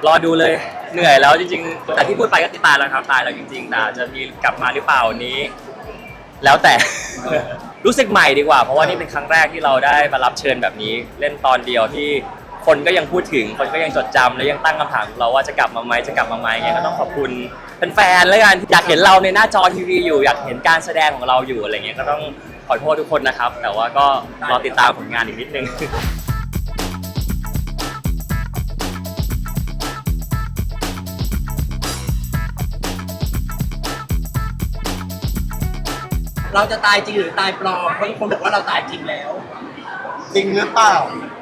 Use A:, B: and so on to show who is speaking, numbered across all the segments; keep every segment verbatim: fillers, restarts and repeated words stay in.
A: รอดูเลยเหนื่อยแล้วจริงๆแต่ที่พูดไปก็ตายแล้วครับตายแล้วจริงๆแต่จะมีกลับมาหรือเปล่านี้ แล้วแต่ รู้สึกใหม่ดีกว่าเพราะว่านี่เป็นครั้งแรกที่เราได้มารับเชิญแบบนี้ เล่นตอนเดียวที่คนก็ยังพูดถึงคนก็ยังจดจำและยังตั้งคำถามเราว่าจะกลับมาไหมจะกลับมาไหมไงก็ต้องขอบคุณแฟนๆแล้วกันอยากเห็นเราในหน้าจอทีวีอยู่อยากเห็นการแสดงของเราอยู่อะไรเงี้ยก็ต้องขอโทษทุกคนนะครับแต่ว่าก็รอติดตามผลงานอีกนิดนึง
B: เราจะตายจริงหรือตายปลอมเพราะทุกคนบอกว่าเราตายจริงแล้ว
C: จริงหรือเปล่าร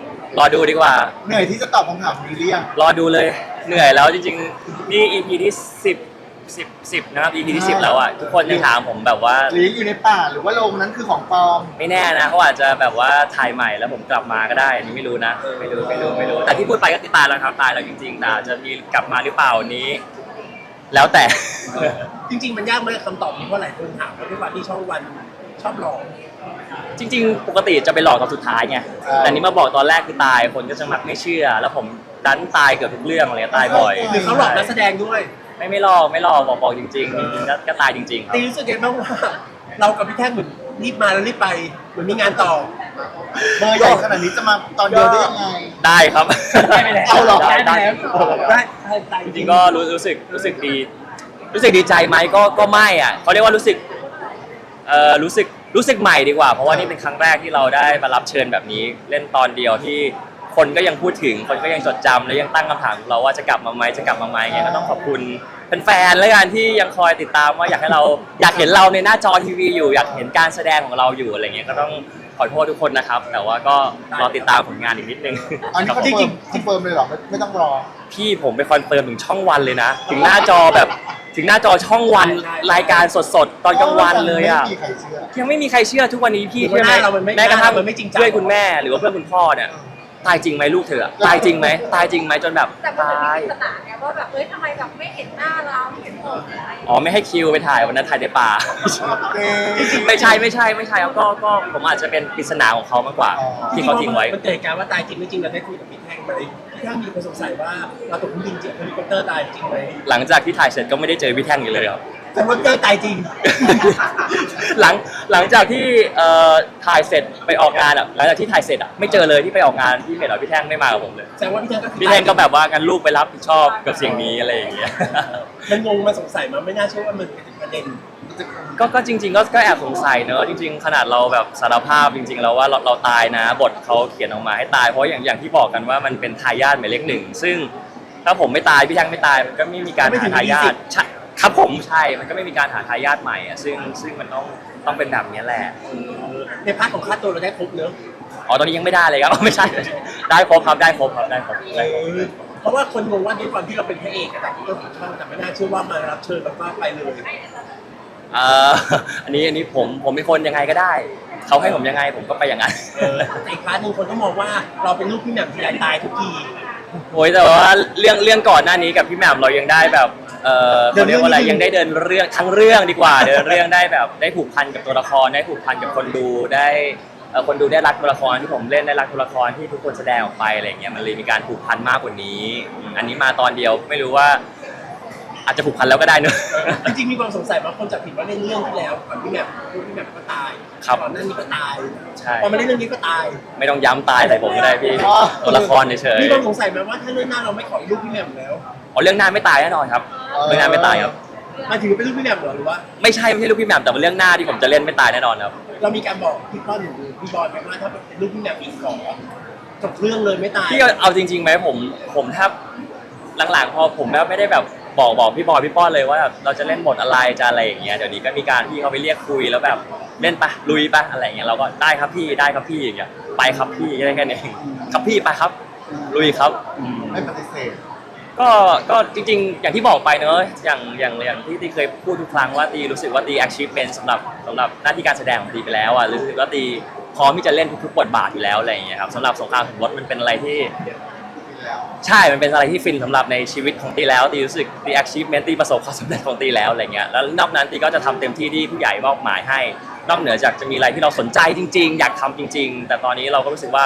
A: อดูดีกว่า
C: เหนื่อยที่จะตอบคำถามนี้หรือยัง
A: รอดูเลยเหนื่อยแล้วจริงๆนี่ อี พี ที่สิบ สิบ สิบนะครับ อี พี ที่สิบแล้วอ่ะทุกคนยังถามผมแบบว่า
C: หรืออยู่ในป่าหรือว่าโรงนั้นคือของปลอม
A: ไม่แน่นะเขาอาจจะแบบว่าถ่ายใหม่แล้วผมกลับมาก็ได้อันนี้ไม่รู้นะไม่รู้ไม่รู้ไม่รู้แต่ที่พูดไปก็ตายแล้วครับตายแล้วจริงๆแต่จะมีกลับมาหรือเปล่านี้ แล้วแต่
B: จริงๆมันยากไหมคำตอบนี้เพราะหลายคนถามเพราะด้วยความที่ช่องวันชอบหลอก
A: จริงๆ ปกติจะไปหลอกตอนสุดท้ายไง
C: อ่า
A: แต่นี้มาบอกตอนแรกคือตายคนก็จะมักไม่เชื่อ แล้วผมดันตายเกือบทุกเรื่องเลยตายบ่อย
B: หรือเขาหลอกนักแสดงด้วย
A: ไม่ไม่หลอกไม่หลอกบอกบอกจริงๆจริงๆก็ก็ตายจริงๆครับ
B: ตีรู้สึกยังไงบ้างว่าเรากับพี่แท่งเหมือนรีบมาแล้วรีบไปเหมือนมีงานต่อ
C: เบอร์ใหญ่ขนาดนี้จะมาตอนเดียวได้ยังไง
A: ได้ครับ
B: ได้ไปแล้ว
C: เอาหรอ
A: ได้
B: ได้
A: ได้
B: ไปแล้วได้ได้ได้
A: จริงๆก็รู้รู้สึกรู้สึกดี รู้สึกดีใจไหมก็ก็ไม่อ่ะเขาเรียกว่ารู้สึกเอ่อรู้สึกรู้สึกใหม่ดีกว่า เพราะว่านี่เป็นครั้งแรกที่เราได้มารับเชิญแบบนี้ เล่นตอนเดียวที่คนก็ยังพูดถึงคนก็ยังจดจำและยังตั้งคำถามเราว่าจะกลับมาไหมจะกลับมาไหมไงก็ต้องขอบคุณแฟนๆแล้วกันที่ยังคอยติดตามว่าอยากให้เราอยากเห็นเราในหน้าจอทีวีอยู่อยากเห็นการแสดงของเราอยู่อะไรเงี้ยก็ต้องขอโทษทุกคนนะครับ แต่ว่าก็รอติดตามผลงานอีกนิดนึง
C: อันนี้
A: ครับ
C: เขา
A: ผม
C: จริงคอนเฟิร์มเลยเหรอไม่ไม่ต้องรอ
A: พี่ผมไปคอนเฟิร์มถึงช่องวันเลยนะ ถึงหน้าจอแบบถึงหน้าจอช่องวันรายการสดๆ ตอนกลางวันเลยอ่ะ
C: ไม่มีใครเชื่อ
A: ยังไม่มีใครเชื่อทุกวันนี้พี่
B: หรือว่า
A: เชื่อไหม
B: หน้าเรามันไม่
A: แม้กระทั่ง
B: หน้าเรามันไม่จริงจัง
A: เพื่อนคุณแม่หรือว่าเพื่อนคุณพ่อเนี่ยตายจริงไหมลูกเธออะตายจริงไหมตายจริงไหมจนแบบ
D: แต่มัน
A: ตา
D: เป็น
A: ย
D: ปริศนาไงว่าแบบเอ้ยทำไมแบบไม่เห็นหน้าเราไม่เห็นผมอะไรอย่างเงี้ย
A: อ๋อไม่ให้คิวไปถ่ายวันนั้นถ่ายในป่า
C: เอ๊ะ
A: ไม่ใช่ไม่ใช่ไม่ใช่ครับก็ก็ผมอาจจะเป็นปริศนาของเขามากกว่า
C: อ๋อ
A: ที่เขาทิ้งไว้
B: มันเกิดการว่าตายจริงไม่จริงเราได้คุยกับพี่แท่งไหมพี่แท่งมีคนสงสัยว่าเราตกเครื่องบินจริงเฮลิคอปเตอร์ตายจริงไหม
A: หลังจากที่ถ่ายเสร็จก็ไม่ได้เจอพี่แท่งอีกเลยครับ
B: แต่ว่าเตอร์ตายจริง
A: หลังหลังจากที่เอ่อถ่ายเสร็จไปออกงานอ่ะหลังจากที่ถ่ายเสร็จอ่ะไม่เจอเลยที่ไปออกงานที่เพจหรอพี่แท่งไม่มากับผมเลย
B: แสดงว่าพี่แท่งก็คือ
A: พี่แท่งก็แบบว่างั้นลูกไปรับผิดชอบกับสิ่งนี้อะไรอย่างเงี้ย
B: มันงงมันสงสัยมันไม่น่าเชื่อว่ามันเป็นประเด็น
A: ก็ก็จริง ๆ ก็ก็แอบสงสัยเนอะจริง ๆ ขนาดเราแบบสารภาพจริง ๆ แล้วว่าเราเราตายนะบทเขาเขียนออกมาให้ตายเพราะอย่างอย่างที่บอกกันว่ามันเป็นทายาทหมายเลขหนึ่งซึ่งถ้าผมไม่ตายพี่แท่งไม่ตายมันก็ไม่มีการหาทายาทใช่ครับผมใช่มันก็ไม่มีการหาทายาทใหม่อ่ะซึ่งซึ่งมันต้องต้องเป็นแบบนี้แหละ
B: ในพาร์ทของค่าตัวเราได้ครบเนอะ
A: อ๋อตอนนี้ยังไม่ได้เลยครับ ไม่ใช่ได้ครบครับได้ครบครับได้ครบได้ครบ
B: เพราะว่าคนงงว่าด้วยความที่เราเป็นพระเอกอะแต่ต้นของช่องแต่ไม่น่าเชื่อว่ามารับเชิญแล้วก็ไปเลย
A: เอ่ออันนี้อันนี้ผมผมเป็นคนยังไงก็ได้เขาให้ผมยังไงผมก็ไปอย่างนั้น
B: เออแต่อีกพาร์ทหนึงคนก็มองว่าเราเป็นลูกพี่แหม่มที่ใหญ่ตายทุกที
A: โอ้ยแต่ว่าเรื่องเรื่องก่อนหน้านี้กับพี่แหม่มเรายังได้แบบเออเขาเรียกว่าอะไรยังได้เดินเรื่องทั้งเรื่องดีกว่า เดินเรื่องได้แบบได้ผูกพันกับตัวละครได้ผูกพันกับคนดูได้เอ่อคนดูได้รักตัวละครที่ผมเล่นได้รักตัวละครที่ทุกคนแสดงออกไปอะไรเงี้ยมันเลยมีการผูกพันมากกว่านี้อืมอันนี้มาตอนเดียวไม่รู้ว่า อาจจะผูกพันแล้วก็ได้เนอะ
B: จริงๆมีความสงสัยว่าคนจับผิดว่าเล่นเรื่องที่แล้วก่อนพี่แหม่มลูกพี่แหม่มก็ตาย
A: ครับ
B: ก่อนหน้านี้ก็ตาย
A: ใช่
B: พอมาเล่นเรื่องนี้ก็ตาย
A: ไม่ต้องย้ำตายใส่ผมก็ได้พี่ตัวละครเฉย
B: มีความสงสัยไหมว่าถ้าเรื่องหน้าเราไม่ขอลูกพี่แหม่มแล้ว
A: ๆอ๋อเรื่องหน้าไม่ตายแน่นอนครับเรื่องหน้าไม่ตายครับ
B: มาถึงเป็นลูกพี่แหม่มเหรอหรือว่า
A: ไม่ใช่ไม่ใช่ลูกพี่แหม่มแต่เป็นเรื่องหน้าที่ผมจะเล่นไม่ตายแน่นอนครับ
B: เรามีการบอกพี่ก้อนหรือพี่บอยไหมว่าถ้าเป็นลูกพี่แหม่มอีกขอจบเรื่องเลยไม่ตาย
A: พี่เอาจริงๆไหมผมผมแทบหลังๆพอผมแบบไม่ได้แบบบอกบอกพี่บอยพี่ป้อนเลยว่าแบบเราจะเล่นบทอะไรจะอะไรอย่างเงี้ยเดี๋ยวนี้ก็มีการพี่เขาไปเรียกคุยแล้วแบบเล่นปะลุยปะอะไรอย่างเงี้ยเราก็ได้ครับพี่ได้ครับพี่อย่างเงี้ยไปครับพี่แค่นั้นเองครับพี่ไปครับลุยครับอืม
C: ไม่ปฏิเสธ
A: ก็ก็จริงๆ อย่างที่บอกไปเนอะอย่างอย่างอย่างที่ตีเคยพูดทุกครั้งว่าตีรู้สึกว่าตี achievement สำหรับสำหรับหน้าที่การแสดงของตีไปแล้วอ่ะรู้สึกว่าตีพร้อมที่จะเล่นทุกๆบทบาทอยู่แล้วอะไรอย่างเงี้ยครับสำหรับสงครามสมรสมันเป็นอะไรที่ใช่มันเป็นอะไรที่ฟินสำหรับในชีวิตของตีแล้วตีรู้สึกตี achievement ตีประสบความสำเร็จของตีแล้วอะไรเงี้ยแล้วนอกนั้นตีก็จะทำเต็มที่ที่ผู้ใหญ่มอบหมายให้นอกเหนือจากจะมีอะไรที่เราสนใจจริง ๆ อยากทำจริง ๆ แต่ตอนนี้เราก็รู้สึกว่า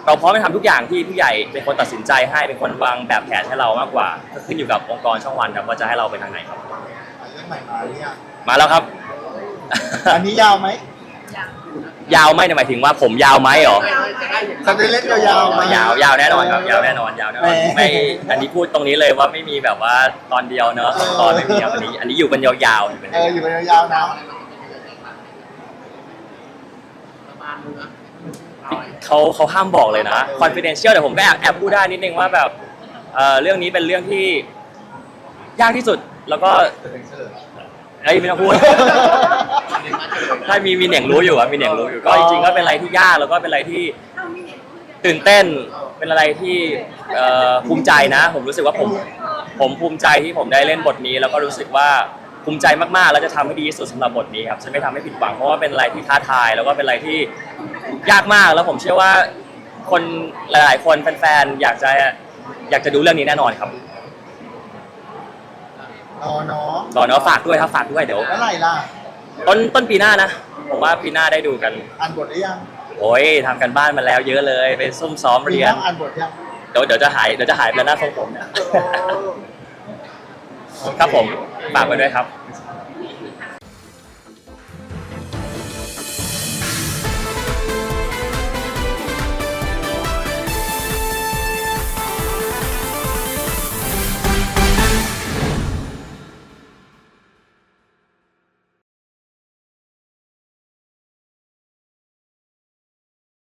A: เราพร้อมจะทำทุกอย่างที่ผู้ใหญ่เป็นคนตัดสินใจให้เป็นคนวางแบบแผนให้เรามากกว่าก็ขึ้นอยู่กับองค์กรช่องวันครับว่าจะให้เราไปทางไหนครับ
C: เรื่องใหม่มาเนี่ย
A: มาแล้วครับ
C: อันนี้ยาวไหม
A: ยาวไหมเนี่ยหมายถึงว่าผมยาวไหมเหรอ
C: จะได้เล่นยาวๆไหม
A: ยาวยาวแน่นอนครับยาวแน่นอนยาวแน่นอน
C: แหม
A: ไม่อันนี้พูดตรงนี้เลยว่าไม่มีแบบว่าตอนเดียวเนอะสองตอนไม่มีครับอันนี้อันนี้อยู่กันยาวๆอยู่กัน
C: เอออยู่เป็นยาวๆนะ
A: เขาเขาห้ามบอกเลยนะ confidential แต่ผมก็แอบแอบพูดได้นิดนึงว่าแบบเอ่อเรื่องนี้เป็นเรื่องที่ยากที่สุดแล้วก็เอ้ยไม่ต้องพูด ถ้ามีมีเหน่งรู้อยู่อะมีเหน่งรู้อยู่ก็จริงๆก็เป็นอะไรที่ยากแล้วก็เป็นอะไรที่ตื่นเต้นเป็นอะไรที่เอ่อภูมิใจนะ ผมรู้สึกว่าผมผมภูมิใจที่ผมได้เล่นบทนี้ แล้วก็รู้สึกว่าภูมิใจมากๆแล้วจะทำให้ดีที่สุดสำหรับบทนี้ครับจะไม่ทำให้ผิดหวังเพราะว่าเป็นอะไรที่ท้าทายแล้วก็เป็นอะไรที่ยากมากแล้วผมเชื่อว่าคนหลายๆคนแฟนๆอยากจะอยากจะดูเรื่องนี้แน่นอนครับ
C: รอเนาะ
A: รอเนาะฝากด้วยครับฝากด้วยเดี๋ยว
C: แล้วไหร่ล่ะ
A: ต้นต้นปีหน้านะผมว่าปีหน้าได้ดูกัน
C: อ่านบทหรือยัง
A: โอ้ยทำกันบ้านมาแล้วเยอะเลยไปซุ่มซ้อม
C: มี
A: เรียน
C: ต้องอ่านบทยัง
A: เดี๋ยวเดี๋ยวจะหายเดี๋ยวจะหายไปแล้วหน้าทรงผมเนี่ยครับผมฝากไว้ด้วยครับ